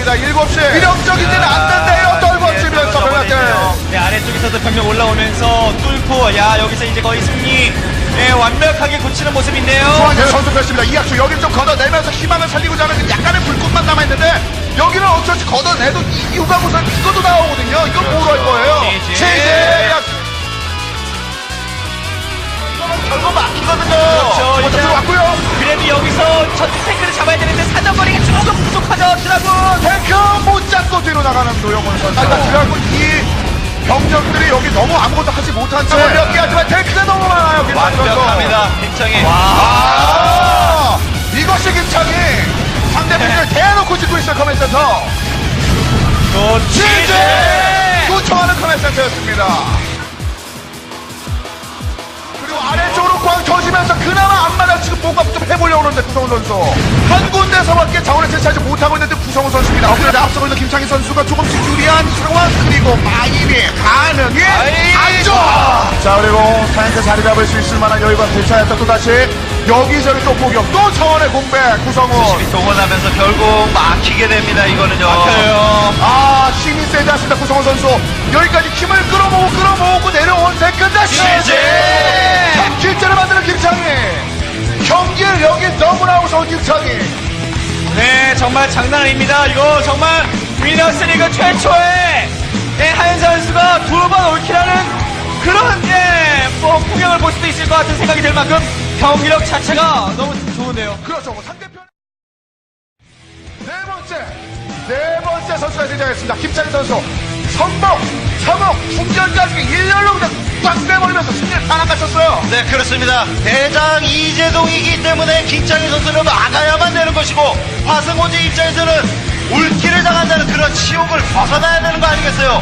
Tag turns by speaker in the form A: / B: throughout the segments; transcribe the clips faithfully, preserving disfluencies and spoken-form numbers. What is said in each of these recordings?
A: 갑니다. 일곱 시. 위력적이지는 않는데요. 떨궈지면서 병력들.
B: 네, 아래쪽에서도 병력 올라오면서 뚫고, 야, 여기서 이제 거의 승리, 네, 완벽하게 고치는 모습인데요.
A: 중앙에 선수 펼칩니다. 이학수 여기를 좀 걷어내면서 희망을 살리고자 하는 약간의 불꽃만 남아있는데 여기는 어쩔 수 걷어내도 이유가 무슨 이것도 나오거든요. 이건 뭐로 할 거예요? 최재 결국 막히거든요.
B: 그렇죠.
A: 먼저 들어왔고요.
B: 그래도 여기서 첫 탱크를 잡아야 되는데 사정거리가 조금 부족하죠, 드라군.
A: 탱크 못 잡고 뒤로 나가는 노영훈 선수. 일단 드라군 이 병력들이 여기 너무 아무것도 하지 못한 채 몇 개 하지만 탱크가 너무 많아요.
B: 완벽합니다, 김창희.
A: 와. 아, 이것이 김창희. 상대편을 대놓고 짓고 있어요. 커맨센터.
B: 또
A: 취재! 요청하는 커맨센터였습니다. 그리고 아래쪽으로 꽝 터지면서 그나마 앞마당 지금 뭔가 좀 해보려고 하는데 구성훈 선수 한 군데서밖에 자원을 채취하지 못하고 있는데 구성훈 선수입니다. 그런데 앞서고 있는 김창희 선수가 조금씩 유리한 상황. 그리고 마인이 가능이 안쪽. 자, 그리고 탱크 자리 잡을 수 있을 만한 여유가 되찾았다. 또다시 여기저기 또 포격, 또 차원의 공백. 구성훈
B: 동원하면서 결국 막히게 됩니다. 이거는요.
A: 막혀요. 아, 힘이 세지 않습니다. 구성훈 선수 여기까지 힘을 끌어모으고 끌어모으고 내려온 세컨드 시제 삼 킬째를 만드는 김창희. 경기를 여기 너무나 무서운 김창희.
B: 네, 정말 장난 아닙니다. 이거 정말 위너스리그 최초의 네, 하현사 선수가 두 번 올킬하는 그런 예, 뭐 풍경을 볼 수도 있을 것 같은 생각이 들 만큼 경기력 자체가 너무 좋은데요.
A: 그렇죠. 뭐 상대편 네 번째 네 번째 선수가 등장했습니다. 김창희 선수 선봉, 서봉, 충전까지 일렬로 그냥 꽉 빼버리면서 승리를 다 낚아쳤어요.
C: 네, 그렇습니다. 대장 이재동이기 때문에 김창희 선수는 막아야만 되는 것이고 화승호지 입장에서는 울기를 당한다는 그런 치욕을 벗어나야 되는 거 아니겠어요?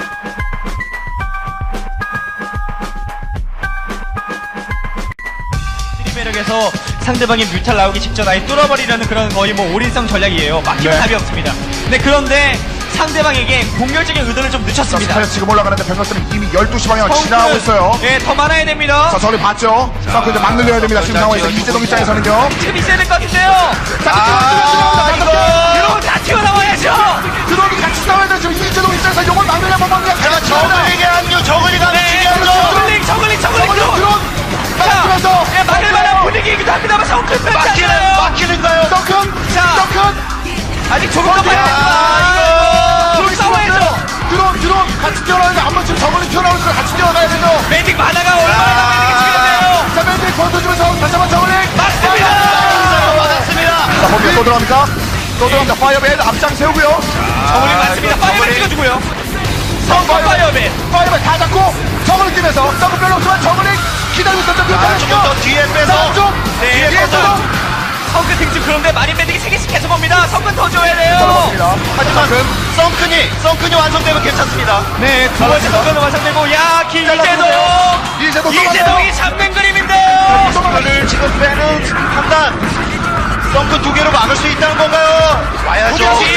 B: 매력에서 상대방의 뮤탈 나오기 직전 아예 뚫어버리려는 그런 거의 뭐 올인성 전략이에요. 막히면
A: 네.
B: 답이 없습니다. 네, 그런데 상대방에게 공격적인 의도를 좀 늦췄습니다.
A: 자, 지금 올라가는데 병력들은 이미 열두 시 방향을 지나가고 있어요.
B: 네, 더 많아야 됩니다.
A: 자, 저를 봤죠? 자, 그 이제 막 늘려야 됩니다. 지금 상황에서 이재동 입장에서는요.
B: 지금 있어야 될 것 같은데요.
A: 자,
B: 아,
A: 이거
B: 이러면 다 튀어나와야죠.
A: 드론이 같이 싸워야 돼. 지금 이재동 입장에서 요걸 막느냐 못 막느냐.
C: 자, 저글링의 합류, 저글링 합류
B: 네,
C: 중요하죠.
B: 저글링, 저글링, 저글링,
A: 저걸로
B: 드론.
A: 드론.
B: 자,
A: 그래서
B: 예, 막을 만한 분위기이기도 합니다만 성큰 뺐지
C: 막히는,
B: 않아요.
C: 막히는가요?
A: 덩큰,
B: 자.
A: 덩큰.
B: 아직 조금 더 봐야 됩니다. 드론 싸워야죠.
A: 드론, 드론 같이 뛰어나는데 한번 지금 저걸로 튀어나올 걸 같이 뛰어가야 되죠.
B: 매직 만화가 얼마나 매직이 중요한데요.
A: 자, 맨들 권투주면서 다시 한번 저걸링.
B: 맞습니다.
C: 맞았습니다.
A: 자, 거기에 또 들어갑니까? 또 들어갑니다. 파이어맨 앞장 세우고요.
B: 저글링 맞습니다. 파이어맨 찍어주고요. 성공 파이어맨.
A: 파이어맨 다 잡고 저걸링 뛰면서 더블 별로 없지만 저걸링 기다리고 있었던 그
C: 아, 조금 더 뒤에 빼서.
A: 쪽
B: 네,
A: 뒤에서
B: 성근 등지 그런데 마린 매직이 세 개씩 계속 옵니다. 성근 더 줘야 돼요.
A: 들어갑니다.
C: 하지만 썬큰이, 썬큰이 완성되면 괜찮습니다.
B: 네, 두 번째 성근은 완성되고, 야, 김이재동.
A: 이재동
B: 이재동이 잡는 그림인데요.
C: 썬큰을 지금 빼는 판단. 썬큰 두 개로 막을 수 있다는 건가요? 와야죠.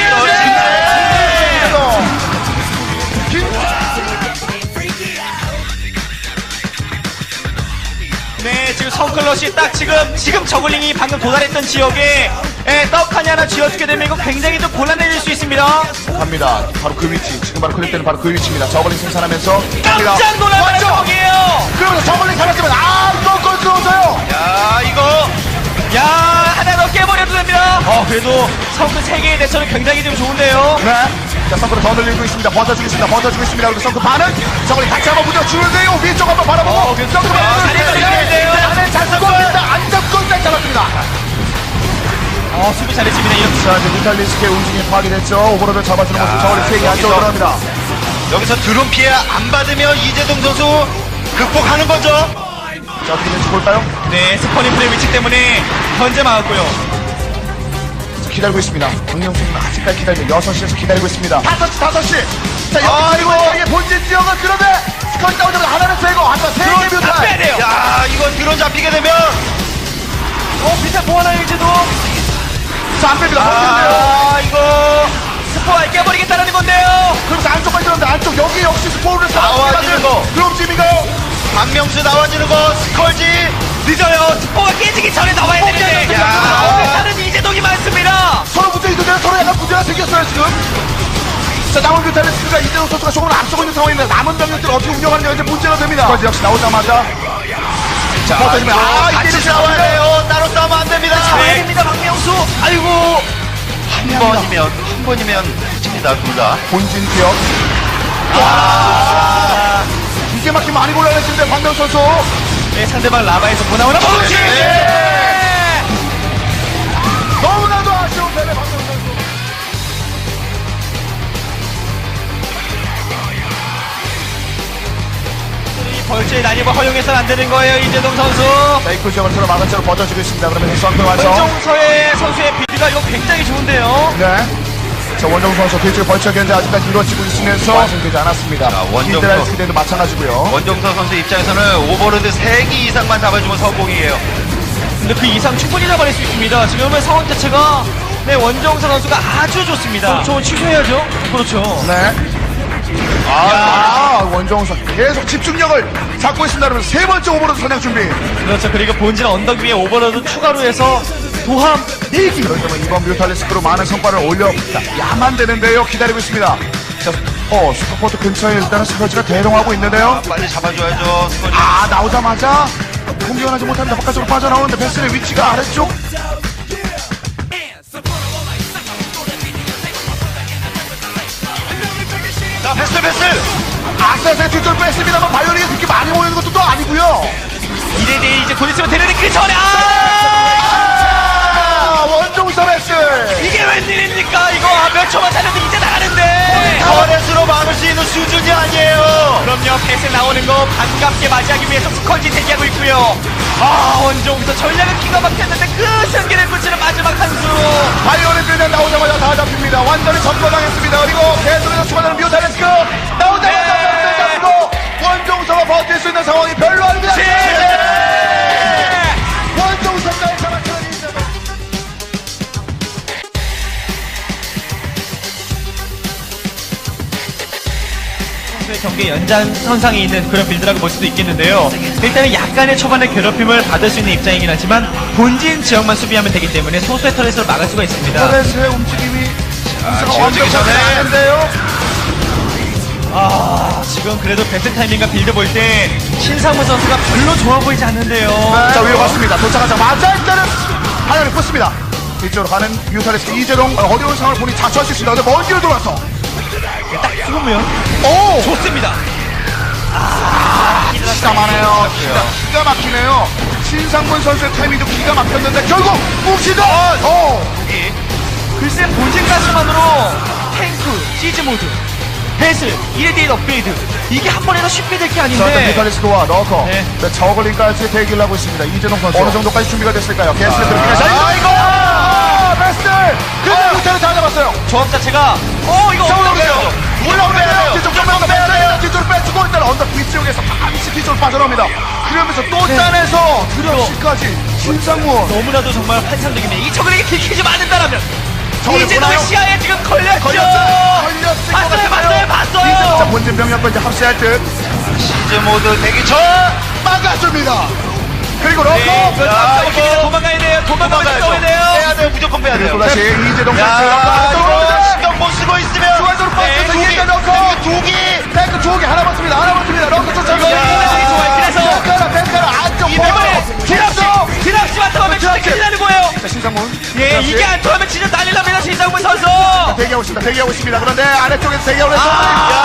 B: 네, 지금 성클럿이 딱 지금, 지금 저글링이 방금 도달했던 지역에 예, 떡하니 하나 쥐어주게 되면 이거 굉장히 좀 곤란해질 수 있습니다.
A: 갑니다. 바로 그 위치. 지금 바로 클릭 때는 바로 그 위치입니다. 저걸링 생산하면서
B: 깜짝 놀랄 상황이에요.
A: 그러면서 저걸링 잡았지만 아, 또 골 들어오세요.
C: 야, 이거.
B: 야, 하나 더 깨버려도 됩니다. 어, 그래도 성근 세 개의 대처는 굉장히 좀 좋은데요.
A: 네. 자, 선크를 더 늘리고 있습니다. 버텨주고 있습니다. 버텨주고 있습니다. 그리고 선크 반은 저걸링 같이 한번 부딪히는데요. 위쪽 한번 바라보고.
B: 어, 그래서
A: 선크
B: 아,
A: 반은
B: 잘 잡았는데요.
A: 안에 잘 잡고 있습니다. 안 잡고 잘 잡았습니다.
B: 어, 수비 잘했습니다. 이렇게.
A: 자, 이제 뮤탈리스크의 움직임이 파악이 됐죠. 오버로드 잡아주는 모습 저걸링 세 개 안쪽으로 들어갑니다.
C: 여기서 드론 피해 안 받으면 이재동 선수 극복하는 거죠.
A: 자, 어떻게 될지 볼까요?
B: 네, 스퍼니플의 위치 때문에 현재 막았고요.
A: 기다리고 있습니다. 박명수는 아직까지 기다리고 여섯 시에서 기다리고 있습니다. 다섯 시, 다섯 시. 자,
C: 아이고.
A: 여기 본진 지역은 그런데 스컬 따오자마자 하나는 세고 하나 세 개
B: 다 빼야
A: 뮤탈.
B: 돼요.
C: 야, 이건 드론 잡히게 되면.
B: 어, 비슷한 보완할 이제도.
A: 자, 안 뺍니다.
B: 아, 이거 스포알 깨버리겠다는 건데요.
A: 그러면서 안쪽까지 들었는데 안쪽 여기 역시 스포를
C: 나와주는 거.
A: 그럼 지민가요?
C: 박명수 나와주는 거, 스컬지.
B: 늦어요. 스포가 깨지기 전에 나와야 되는데.
C: 야.
B: 다른 이재동이 많습니다.
A: 서로 문제 있는데 서로 약간 문제가 생겼어요 지금. 자 남은 뮤탈리스크가 이재동 선수가 조금 앞서고 있는 상황인데 남은 병력들을 어떻게 운영하느냐 이제 문제가 됩니다. 거지 역시 나오자마자
C: 자,
A: 버텨주면 아
C: 같이
A: 이게
C: 싸워야 돼요. 따로 싸우면 안 됩니다.
B: 잡아야 됩니다, 박명수. 아이고.
C: 한 번이면 한 번이면 집니다 둘 다.
A: 본진 기억. 아 이게 막히 많이 곤란해지는데 박명 선수.
B: 네, 상대방 라바에서 보나오나 멈추.
A: 네. 너무나도 아쉬운 패배 박명 선수.
B: 이 벌초의 난입을 허용해서는 안 되는 거예요, 이재동 선수.
A: 메이크 지역을 서로 막은 채로 버텨주고 있습니다. 그러면 선수 완성.
B: 원정서의 선수의 빌드가 이거 굉장히 좋은데요.
A: 네. 자, 원정 선수 뒤쪽 벌처 견제 아직까지 이루어지고 있으면서 완성되지 않았습니다.
C: 자, 원정
A: 히드라이스
C: 선-
A: 기대도 마찬가지고요.
C: 원정서 선수 입장에서는 오버로드 세 기 이상만 잡아주면 성공이에요.
B: 근데 그 이상 충분히 잡아낼 수 있습니다. 지금은 상황 자체가 네, 원정서 선수가 아주 좋습니다. 그렇죠, 취소해야죠. 그렇죠.
A: 네. 아, 아 원정 선수 계속 집중력을 잡고 있습니다. 그러면 세 번째 오버로드 선양 준비.
B: 그렇죠. 그리고 본진 언덕 위에 오버로드 추가로 해서 도함 네 기.
A: 그렇다면 이번 뮤탈리스크로 많은 성과를 올려야만 되는데요. 기다리고 있습니다. 자, 어, 슈퍼포트 근처에 일단은 스커지가 대동하고 있는데요.
C: 아, 빨리 잡아줘야죠. 스코지.
A: 아, 나오자마자 공격을 하지 못합니다. 바깥으로 빠져나오는데 베슬의 위치가 아래쪽.
C: 자, 패스 패스.
A: 악사세 뒤쪽을 뺐습니다만 바이오닉이 그렇게 많이 모이는 것도 또 아니고요.
B: 이대 대 이제 곧 있으면 되는데 그 전에 아!
A: 아, 원종서 베슬.
B: 이게 웬일입니까? 이거 아, 몇 초만 살려도 이제 나가는데.
C: 터렛으로 막을 수 있는 수준이 아니에요.
B: 그럼요. 패스 나오는 거 반갑게 맞이하기 위해서 스컨지 대기하고 있고요. 아, 원종서 전략은 기가 막혔는데 그 승기를 붙이는 마지막 한 수.
A: 바이오닉 그냥 나오자마자 다 잡힙니다. 완전히 점거당했습니다. 그리고 계속해서 추가되는 뮤탈리스크 나오자마자
B: 네.
A: 잡고 원종서가 버틸 수 있는 상황이 별로 아닙니다.
B: 네.
A: 원종서까지 잡았다니.
B: 선수의 경기 연장선상에 있는 그런 빌드라고 볼 수도 있겠는데요. 일단은 약간의 초반의 괴롭힘을 받을 수 있는 입장이긴 하지만 본진 지역만 수비하면 되기 때문에 소수의 터렛을 막을 수가 있습니다.
A: 터렛의 움직임이
C: 지워지기 전에.
A: 완벽한데요.
B: 아, 지금 그래도 배트 타이밍과 빌드 볼 때 신상무 선수가 별로 좋아 보이지 않는데요.
A: 자, 위로 갔습니다. 도착하자마자 일단은 하나를 pus습니다. 이쪽으로 가는 뮤탈리스크 이재동. 어, 어려운 상황을 보니 자초할 수 있습니다. 근데 먼 길을 돌아서.
B: 딱 죽으면
A: 오!
B: 좋습니다.
A: 기가 막히네요. 기가, 기가 막히네요. 신상문 선수의 타이밍도 기가 막혔는데 결국 뭉치다! 어!
B: 글쎄 본진 가스만으로 탱크, 시즈 모드, 배슬, 일 대 일 업그레이드 이게 한 번에도 쉽게 될 게
A: 자, 일단
B: 아닌데
A: 뮤탈리스크와 러커.
B: 네.
A: 네, 저글링까지 대기를 하고 있습니다. 이재동 선수. 어느 정도까지 준비가 됐을까요? 게스트
C: 아.
A: 들어가자
B: 아,
A: 이거! 아, 베스트! 근데 뮤탈을 다 잡았어요.
B: 조합 자체가 어 이거
A: 올라오네요. 올라오네요.
C: 빼야
A: 뒤쪽
C: 돼요.
A: 정면 빼야 돼요. 뒤쪽으로 빼주고 일단 언덕 위쪽에서 반드시 뒤쪽으로 빠져나옵니다. 그러면서 또 짜내서 드랍시까지 신상문.
B: 너무나도 정말 환상적이네. 이 저글링이 들키지 않는다라면
A: 저글링
B: 이제도
A: 보나요?
B: 시야에 지금 걸렸죠.
A: 걸렸어요. 걸렸을 것
B: 봤어요,
A: 같아요.
B: 봤어요, 봤어요.
A: 이제 자, 본진 병력과 이제 합세할 듯
C: 시즈 모드 대기 전.
A: 막아줍니다. 그리고 러커.
B: 네, 그
C: 야,
B: 다음
C: 이거
B: 이거 도망가야 돼요. 도망가야
C: 도망가야죠.
B: 돼요.
C: 빼야 돼요. 무조건 빼야 돼요.
A: 그리고 다시 이재동
C: 야,
A: 선수.
C: 이거 신경 못 쓰고 있으면.
A: 중앙으로
C: 네,
A: 빠져서
C: 두 개,
A: 이제 러커.
C: 두 개.
A: 탱크 두 개 하나 맞습니다. 하나 맞습니다. 러커 쫓아가고.
B: 야, 좋아요. 그래서
A: 탱크라 탱크라 안쪽
B: 이번에 드랍시, 드랍시 맡아보면 진짜 큰일 나는 거예요.
A: 자, 신상문.
B: 예,
A: 드랍시.
B: 이게 안 통하면 진짜 난리 납니다, 신상문 선수.
A: 대기하고 있습니다. 대기하고 있습니다. 그런데 아래쪽에서 대기하고 있습니다.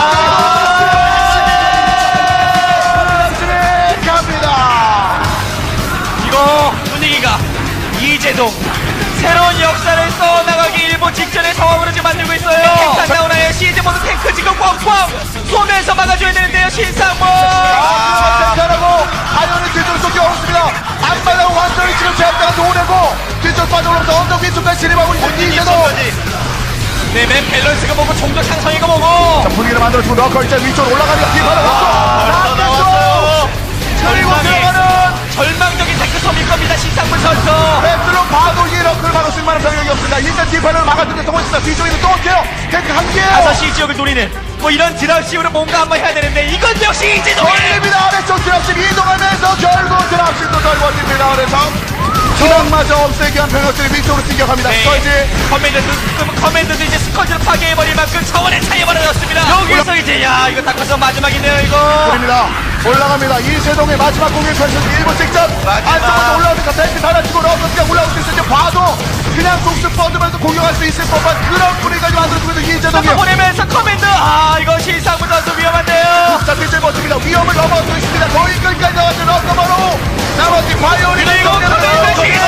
A: 갑니다.
B: 이거 분위기가 이재동 새로운 역사를 써나가기 일보 직전의 상황으로 지금 만들고 있어요. 탱크 나오나요? 시즈 모드 탱크 지금 꽝꽝 쏘면서 막아줘야 되는데요, 신상문.
A: 아, 탱크라고 아이언이 뒤쪽으로 쫓겨 오습니다. 앞마당 완전히 지금 제압대가 도내고 뒤쪽 빠져오면서 언덕 위쪽까지 진입하고 있는 이재동.
B: 네, 맨 밸런스가 뭐고 종족 상성이가 뭐고.
A: 자, 분위기를 만들어주고 넣고 이제 위쪽으로 올라가니까 뒤바로
C: 벌써 나왔어요.
A: 그리고
B: 절망의,
A: 들어가는
B: 절망적인 탱크섬일 겁니다, 신상문 선수.
A: 벤틀로 봐도 이 러크를 막을 수 있는 만한 병력이 없습니다. 일단 뒷판을 막았는데 성공했습니다. 뒤쪽에도 또 올게요. 탱크 한 개요.
B: 다섯 시 지역을 노리는 뭐 이런 드랍식으로 뭔가 한번 해야 되는데 이건 역시 이재동의
A: 걸립니다. 아래쪽 앞쪽 드랍십 이동하면서 결국 드랍십도 떨궈집니다. 그래서 기량마저 없애기 위한 병력들이 위쪽으로 뛰어갑니다.
B: 네.
A: 스컬지
B: 커맨드도, 커맨드도 이제 스쿼지를 파괴해버릴 만큼 차원의 차이 벌어졌습니다. 여기서 이제, 야, 이거 닦아서 마지막이네요, 이거.
A: 입니다. 올라갑니다. 이세동의 마지막 공격 선수 일 분 직전 안쪽으로 올라오니까 탱크 달아주고 러커스가 올라올 수 있을지 봐도 그냥 속수 뻗으면서 공격할 수 있을 법한 그런 분위기까지 만들어주면서 이재동이
B: 또 보내면서 커맨드, 아, 이거 실상부 선수 위험한데요.
A: 자, 뒤질 멋집니다. 위험을 넘어서 있습니다. 거의 끝까지 나왔죠. 러커버로 나머지 바이오린
B: 그리고 커맨드 시기지.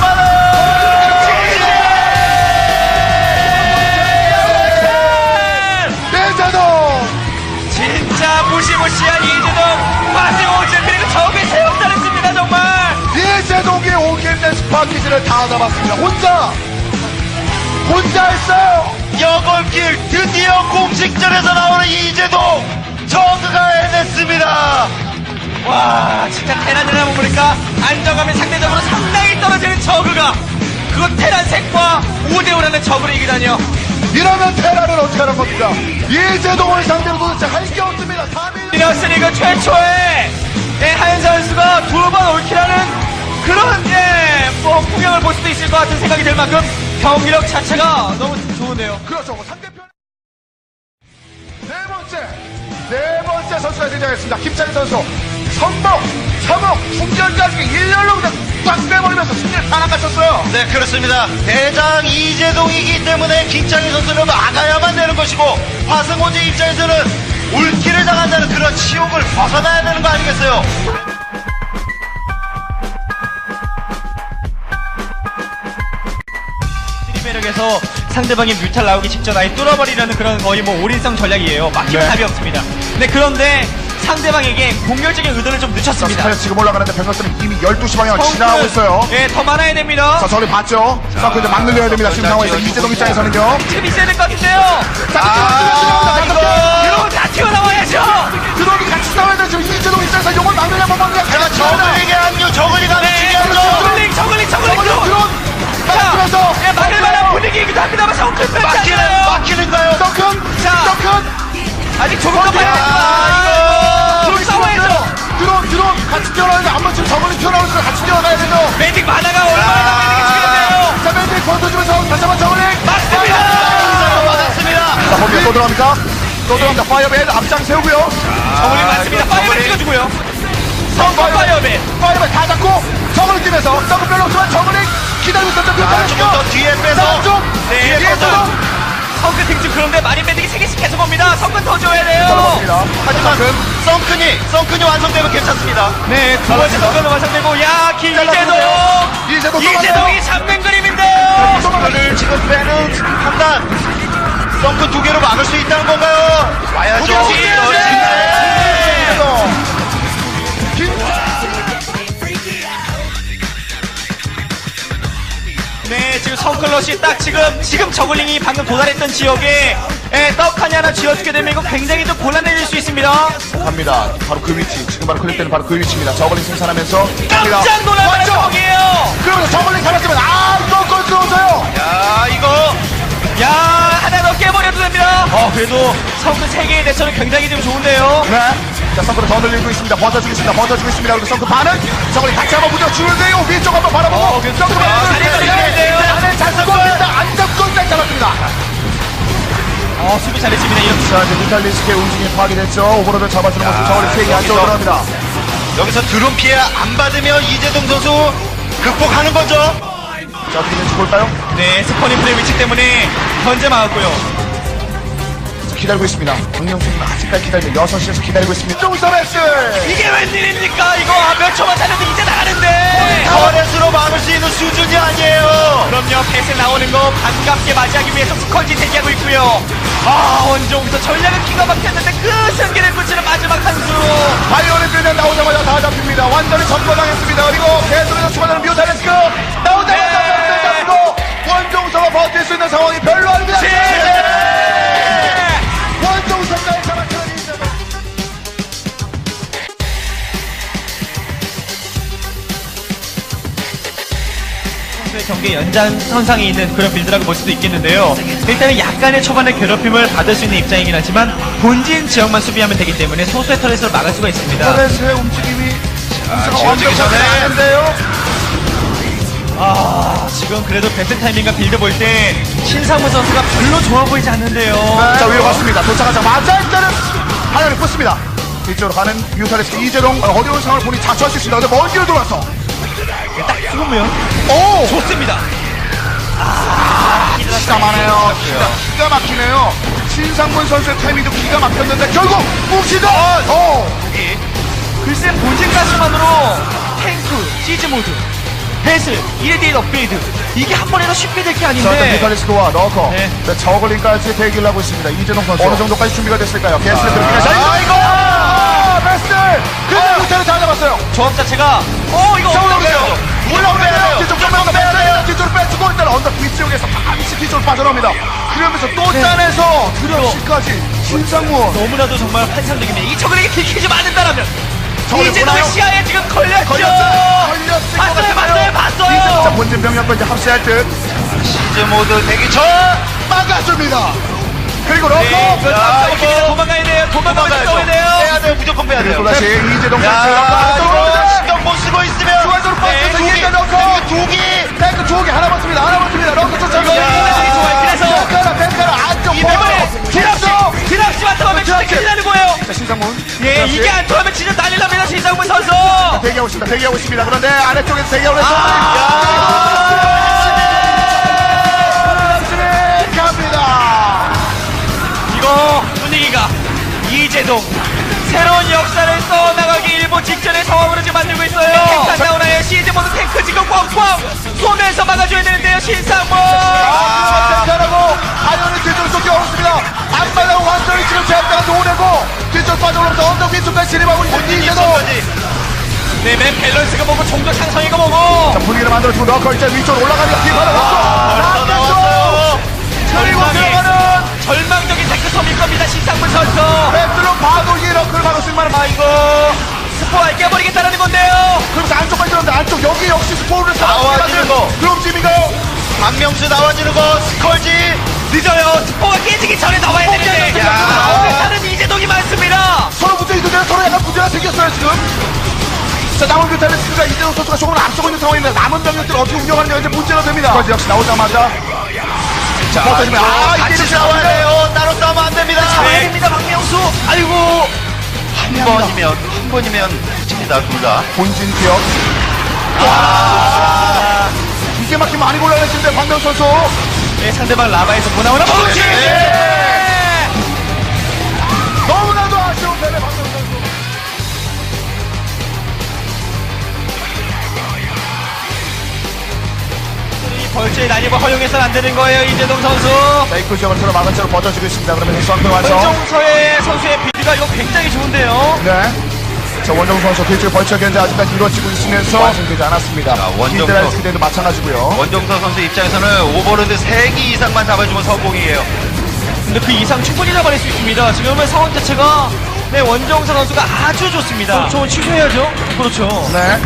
A: 이재동
B: 진짜 무시무시한 이재동, 화승호진, 그리고 적의 세웠다랬습니다, 정말.
A: 이재동이 오기 힘든 스파키즈를 다 잡았습니다. 혼자 혼자 했어요.
C: 여걸길 드디어 공식전에서 나오는 이재동 저그가 해냈습니다.
B: 와, 진짜 테란이라 보니까 안정감이 상대적으로 상당히 떨어지는 저그가 그거 테란 색과 오 대 오라는 저그를 이기다니요.
A: 이러면 테라는 어떻게 하는 겁니까? 이재동을 상대로 도대체 할 게 없습니다. 삼 일
B: 리너스리그 최초의 예, 하현 선수가 두 번 올킬하는 그런 예, 뭐 풍경을 볼 수도 있을 것 같은 생각이 들 만큼 경기력 자체가 너무 좋은데요.
A: 그렇죠. 뭐 상대편 네 번째 네 번째 선수가 등장했습니다. 김찬희 선수 선봉, 서목, 충전까지 일렬로 그냥 꽉 빼버리면서 승리를 다 낚아쳤어요.
C: 네, 그렇습니다. 대장 이재동이기 때문에 김창희 선수는 막아야만 되는 것이고 화승호지 입장에서는 울기를 당한다는 그런 치욕을 벗어나야 되는 거 아니겠어요?
B: 매력에서 상대방의 뮤탈 나오기 직전 아예 뚫어버리려는 그런 거의 뭐 올인성 전략이에요. 막히면
A: 네.
B: 답이 없습니다. 네, 그런데 상대방에게 공격적인 의도를 좀 늦췄습니다.
A: 자, 지금 올라가는데 병력들은 이미 열두 시 방향을 지나고 있어요.
B: 예, 더 많아야 됩니다.
A: 자, 저를 봤죠? 자, 근데 막 늘려야 됩니다. 지금 상황에서 이재동 입장에서는요.
B: 지금 있어야 될 것 같은데요.
A: 자,
C: 아,
A: 이거
B: 이러면 다 튀어나와야죠.
A: 드론이 같이 싸워야 돼. 지금 이재동 입장에서 요걸 막느냐 못 막느냐.
C: 자, 저글링의 합류, 저글링 합류
B: 네,
C: 중요하죠.
B: 저글링, 저글링, 저글링.
A: 드론, 드론.
B: 자,
A: 그래서
B: 예, 막을 만한 분위기이기도 합니다만 성큰 뺐지
C: 막히는,
B: 않나요?
C: 막히는가요?
A: 덩큰,
B: 자.
A: 덩큰.
B: 아직 조금 더 봐야
A: 아,
B: 됩니다. 좀 싸워야죠.
A: 드론, 드론 같이 뛰어나는데 한번 지금 저걸로 튀어나오니까 같이 뛰어가야 되죠.
B: 매직 만화가 얼마나 매직이 중요한데요.
A: 자, 맨들 권도주면서 다시 한번 저걸링.
B: 맞습니다.
C: 맞았습니다.
A: 자, 거기에 또 들어갑니까? 또 들어갑니다. 파이어맨 앞장 세우고요.
B: 저글링 맞습니다. 파이어맨 찍어주고요. 성공 파이어맨.
A: 파이어맨 다 잡고 저걸링 뛰면서 더블 별로 없지만 저걸링 기다리고 있었죠.
C: 아, 조금 더 뒤에 빼서.
A: 쪽
B: 네,
A: 뒤에서도
B: 성근 등중 그런데 마린 매직이 세 개씩 계속 옵니다. 성근 더 줘야 돼요.
A: 잡았습니다.
C: 하지만 썬큰이, 썬큰이 완성되면 괜찮습니다.
B: 네, 두 번째 성근은 완성되고, 야, 김이재동.
A: 이재동
B: 이재동이 잡는 그림인데요.
C: 썬큰을 지금 빼는 판단. 썬큰 두 개로 막을 수 있다는 건가요? 와야죠.
B: 네, 지금 성클럿이 딱 지금, 지금 저글링이 방금 도달했던 지역에, 예, 떡하니 하나 쥐어주게 되면 이거 굉장히 좀 곤란해질 수 있습니다.
A: 갑니다. 바로 그 위치. 지금 바로 클릭 때는 바로 그 위치입니다. 저걸링 생산하면서 갑니다.
B: 깜짝 놀랄 만한
A: 왔죠?
B: 상황이에요.
A: 그러면서 저걸링 잡았지만 아, 또 골 들어오세요.
C: 야, 이거.
B: 야, 하나 더 깨버려도 됩니다. 어, 그래도 성근 세 개의 대처는 굉장히 좀 좋은데요.
A: 네. 자, 썬크를 더 늘리고 있습니다. 버텨주고 있습니다. 버텨주고 있습니다. 그리고 썬크 반은 저걸링 같이 한번 부딪히는데요. 위쪽 한번 바라보고.
B: 어, 그래서
A: 썬크
B: 아,
A: 반은
B: 다리 걸리는데요.
A: 안에 잘 잡고 있습니다. 안 잡고 잘 잡았습니다.
B: 어, 수비 잘했습니다. 이렇게.
A: 자, 이제 뮤탈리스크의 움직임이 파악이 됐죠. 오버로드 잡아주는 모습 저걸링 세개 안쪽으로
C: 여기서.
A: 들어갑니다.
C: 여기서 드론 피해 안 받으면 이재동 선수 극복하는 거죠.
A: 자, 어떻게 될지 볼까요?
B: 네, 스퍼니프의 위치 때문에 현재 막았고요.
A: 기다리고 있습니다. 박명수는 아직까지 기다리고 여섯 시에서 기다리고 있습니다. 쫑서맥스!
B: 이게 웬일입니까? 이거 아, 몇 초만 달려도 이제 나가는데.
C: 터렛으로 막을 수 있는 수준이 아니에요.
B: 그럼요, 패스 나오는 거 반갑게 맞이하기 위해서 스컬지 대기하고 있고요. 아, 원종부터 전략은 기가 막혔는데 그 승기를 붙이는 마지막 한 수.
A: 바이오린 빌면 나오자마자 다 잡힙니다. 완전히 점거당했습니다. 그리고 계속해서 추가되는 뮤탈리스크 나오자마자 네. 잡히고 원종서가 버틸 수 있는 상황이 별로 아닙니다. 원종서까지 잡았던 이재동.
B: 경기 연장선상에 있는 그런 빌드라고 볼 수도 있겠는데요. 일단은 약간의 초반에 괴롭힘을 받을 수 있는 입장이긴 하지만 본진 지역만 수비하면 되기 때문에 소수의 터렛을 막을 수가 있습니다.
A: 터렛의 움직임이
C: 아, 지워지기 전에.
A: 나는데요.
B: 아, 지금 그래도 배트 타이밍과 빌드 볼 때 신상무 선수가 별로 좋아 보이지 않는데요.
A: 자, 위로 갔습니다. 도착하자마자 일단은 하나를 뽑습니다. 이쪽으로 가는 뮤탈리스크 이재동. 어, 어려운 상황을 보니 자초할 수 있습니다. 근데 먼 길을 돌아서.
B: 딱 죽으면
A: 오!
B: 좋습니다.
A: 기가 막히네요. 기가, 기가 막히네요. 신상문 선수의 타이밍도 기가 막혔는데 결국 뭉치다! 어!
B: 글쎄 본진 가스만으로 탱크, 시즈 모드, 배슬, 이레디에이트 업그레이드 이게 한 번에도 쉽게 될 게
A: 자, 일단
B: 아닌데
A: 뮤탈리스크와 러커.
B: 네.
A: 네, 저글링까지 대기를 하고 있습니다. 이재동 선수. 어느 정도까지 준비가 됐을까요? 게스트 들어기가
B: 아,
A: 시작입니다. 아, 베스트! 근데 뮤탈을 다 잡았어요.
B: 조합 자체가 어 이거
A: 올라오네요. 올라오네요.
C: 빼야 돼요.
A: 뒤쪽 좀만 빼야 돼요. 뒤쪽으로 빼주고 일단 언덕 뒤쪽에서 반드시 뒤쪽으로 빠져나옵니다. 그러면서 또 짜내서 드럼시까지 신상무.
B: 너무나도 정말 환상적입니다. 이 저글에게 들키지 않는다라면
A: 저글이
B: 이제도
A: 보나요?
B: 시야에 지금 걸렸죠.
A: 걸렸어요. 걸렸을 것
B: 봤어요,
A: 같아요.
B: 봤어요, 봤어요.
A: 자, 본진 병력과 이제 합세할 듯
C: 시즈 모드 대기 전.
A: 막아줍니다. 그리고 러커.
B: 네, 그
C: 야,
B: 다음
C: 이거
B: 이거 도망가야 돼요. 도망가야
C: 도망가야죠.
B: 돼요.
C: 빼야 돼요. 무조건 빼야 돼요.
A: 그리고 다시 이재동
C: 야,
A: 선수.
C: 이거 신경 못 쓰고 있으면.
A: 중앙으로
C: 네,
A: 빠져서
C: 두 개,
A: 이제 러커.
C: 두 개.
A: 탱크 두 개 하나 맞습니다. 하나 맞습니다. 러커 쫓아가고.
B: 이거 이거 좋아요. 그래서
A: 탱크라 탱크라 안쪽
B: 이번에 드랍시 드랍시 맡아보면 진짜 큰일 나는 거예요.
A: 자, 신상문.
B: 예,
A: 드랍시.
B: 이게 안 통하면 진짜 난리 납니다. 신상문 선수.
A: 대기하고 있습니다. 대기하고 있습니다. 그런데 아래쪽에서 대기하고 있습니다. 갑니다.
B: 이거 분위기가 이재동 새로운 역사를 써나가기 일보 직전의 상황으로 지금 만들고 있어요. 탱크 안 나오나요? 시즈 모드 탱크 지금 꽝꽝 쏘면서 막아줘야 되는데요. 신상문.
A: 아, 탱크라고 아이언이 뒤쪽으로 쫓겨오고 있습니다. 앞마당 완전히 지금 제압다가 도내고 뒤쪽 빠져오면서 언덕 위쪽까지 진입하고 있는 이재동.
B: 네, 맨 밸런스가 뭐고 종족 상성이가 뭐고.
A: 자, 분위기를 만들어주고 넣고 이제 위쪽으로 올라가니까 뒤바로
C: 벌써 나왔어요.
A: 그리고
B: 절망의,
A: 들어가는
B: 절망적인 탱크섬일 겁니다. 신상문 선수.
A: 배틀로 봐도 이 러크를 막을 수 있는 만한
B: 아이고 스포알 깨버리겠다는 건데요.
A: 그러면서 안쪽까지 들었는데 안쪽 여기 역시 스포를
C: 나와주는 거.
A: 그럼 지민가요?
C: 박명수 나와주는 거. 스컬지.
B: 늦어요. 스포가 깨지기 전에 나와야 되는데.
C: 야.
B: 다른 이재동이 많습니다.
A: 서로 문제 있는데 서로 약간 문제가 생겼어요 지금. 자, 남은 뮤탈리스크가 이재동 선수가 조금 앞서고 있는 상황인데 남은 병력들을 어떻게 운영하느냐 이제 문제가 됩니다. 스쿼지 역시 나오자마자
C: 자,
A: 버텨주면 아
C: 같이
A: 이게
C: 싸워야 돼요. 따로 싸우면 안 됩니다.
B: 잡아야 됩니다. 박명수. 아이고.
C: 한 번이면 한 번이면 집니다 둘 다.
A: 본진 기억. 아, 이게 막히 많이 곤란해지는데 박명 선수.
B: 네, 상대방 라바에서 뭐 나오나 보지.
A: 네. 너무나도 아쉬운 패배 박명 선수.
B: 이 벌초의 난입을 허용해서는 안 되는 거예요. 이재동 선수.
A: 메이크 지역을 서로 막은 채로 버텨주고 있습니다. 그러면 헬스왕도 완성.
B: 원정서의 선수의 빌드가 이거 굉장히 좋은데요.
A: 네. 자, 원정 선수 뒤쪽 벌처 견제 아직까지 이루어지고 있으면서 완성되지 않았습니다.
C: 자, 원정
A: 히드라이스
C: 선수.
A: 기대도 마찬가지고요.
C: 원정서 선수 입장에서는 오버로드 세 개 이상만 잡아주면 성공이에요.
B: 근데 그 이상 충분히 잡아낼 수 있습니다. 지금은 상황 자체가 네, 원정서 선수가 아주 좋습니다. 그렇죠. 취소해야죠. 그렇죠.
A: 네.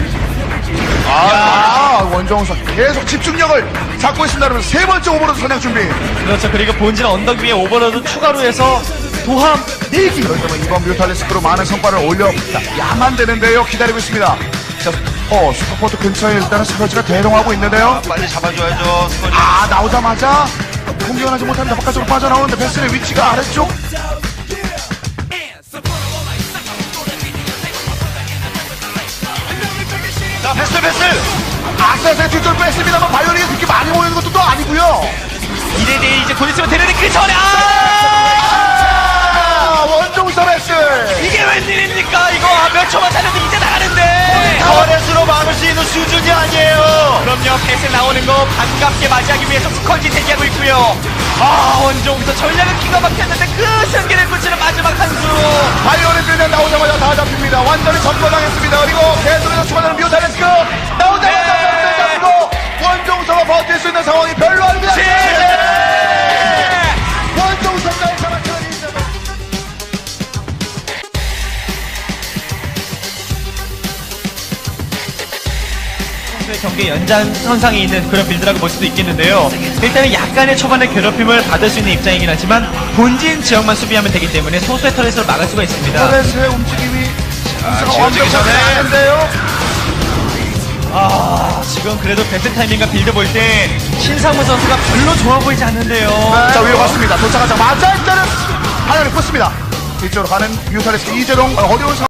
A: 아, 원정 선수 계속 집중력을 잡고 있습니다. 그러면 세 번째 오버로드 선양 준비.
B: 그렇죠. 그리고 본진 언덕 위에 오버로드 추가로 해서 도함 네 개.
A: 그렇다면 이번 뮤탈리스크로 많은 성과를 올려야만 되는데요. 기다리고 있습니다. 자, 어, 슈퍼포트 근처에 일단은 스커지가 대동하고 있는데요.
C: 빨리 잡아줘야죠. 스컬지.
A: 아, 나오자마자 공격을 하지 못합니다. 바깥쪽으로 빠져나오는데 베스의 위치가 아래쪽.
C: 자, 패스 패스.
A: 악사세 뒤쪽을 뺐습니다만 바이오닉이 그렇게 많이 모이는 것도 또 아니고요.
B: 이래 돼 이제 곧 있으면 되는데 그 전에 아!
A: 아, 원종서 베스.
B: 이게 웬일입니까? 이거 아, 몇 초만 살려도 이제 나가는데.
C: 터렛으로 막을 수 있는 수준이 아니에요.
B: 그럼요. 패스 나오는 거 반갑게 맞이하기 위해서 스컨지 대기하고 있고요. 아 원종서 전략은 기가 막혔는데 그 승기를 붙이는 마지막 한 수.
A: 바이오닉 그냥 나오자마자 다 잡힙니다. 완전히 점거당했습니다. 그리고 계속해서 추가되는 뮤탈리스크 나오자마자
B: 네.
A: 잡고 원종서가 버틸 수 있는 상황이 별로 아닙니다.
B: 네.
A: 원종서까지 잡았더니 이제
B: 선수의 경기 연장선상에 있는 그런 빌드라고 볼 수도 있겠는데요. 일단은 약간의 초반의 괴롭힘을 받을 수 있는 입장이긴 하지만 본진 지역만 수비하면 되기 때문에 소수의 터렛으로 막을 수가 있습니다.
A: 터렛의 움직임이
C: 지어지기
A: 완벽하지
C: 전에.
A: 않은데요.
B: 아, 지금 그래도 배트 타이밍과 빌드 볼 때 신상무 선수가 별로 좋아 보이지 않는데요.
A: 자, 위로 갔습니다. 도착하자마자 일단은 하나를 꽂습니다. 이쪽으로 가는 뮤탈리스크 이재동 어려운 상황.